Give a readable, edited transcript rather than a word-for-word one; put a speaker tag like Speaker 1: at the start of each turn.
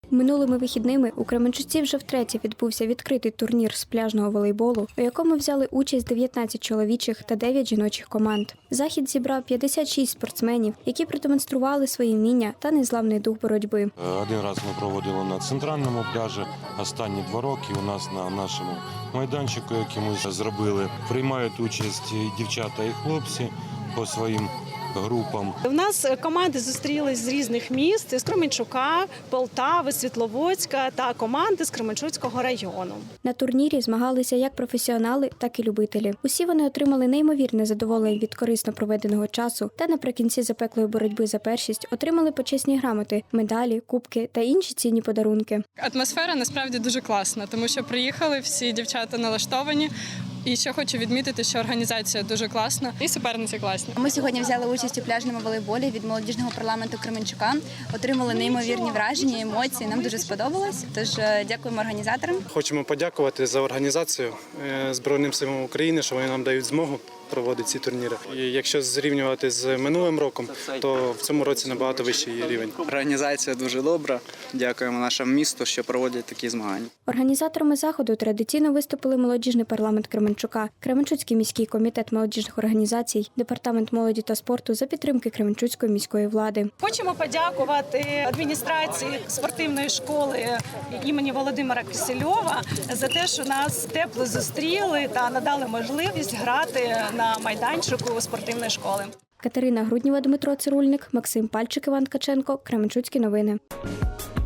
Speaker 1: Минулими вихідними у Кременчуці вже втретє відбувся відкритий турнір з пляжного волейболу, у якому взяли участь 19 чоловічих та 9 жіночих команд. Захід зібрав 56 спортсменів, які продемонстрували свої вміння та незламний дух боротьби.
Speaker 2: Один раз ми проводили на центральному пляжі, останні 2 роки у нас на нашому майданчику, який ми зробили, приймають участь і дівчата, і хлопці по своїм групам.
Speaker 3: У нас команди зустрілись з різних міст – з Кременчука, Полтави, Світловодська та команди з Кременчуцького району.
Speaker 1: На турнірі змагалися як професіонали, так і любителі. Усі вони отримали неймовірне задоволення від корисно проведеного часу та наприкінці запеклої боротьби за першість отримали почесні грамоти, медалі, кубки та інші цінні подарунки.
Speaker 4: Атмосфера насправді дуже класна, тому що приїхали всі дівчата налаштовані. І ще хочу відмітити, що організація дуже класна і суперниці класні.
Speaker 5: Ми сьогодні взяли участь у пляжному волейболі від молодіжного парламенту Кременчука. Отримали неймовірні враження, емоції. Нам дуже сподобалось. Тож дякуємо організаторам.
Speaker 6: Хочемо подякувати за організацію Збройним силам України, що вони нам дають змогу проводити ці турніри. І якщо зрівнювати з минулим роком, то в цьому році набагато вищий рівень.
Speaker 7: Організація дуже добра. Дякуємо нашому місту, що проводять такі змагання.
Speaker 1: Організаторами заходу традиційно виступили молодіжний парламент Кременчука, Кременчуцький міський комітет молодіжних організацій, департамент молоді та спорту за підтримки Кременчуцької міської влади.
Speaker 3: Хочемо подякувати адміністрації спортивної школи імені Володимира Кисельова за те, що нас тепло зустріли та надали можливість грати на майданчику спортивної школи.
Speaker 1: Катерина Груднєва, Дмитро Цирульник, Максим Пальчик, Іван Ткаченко, Кременчуцькі новини.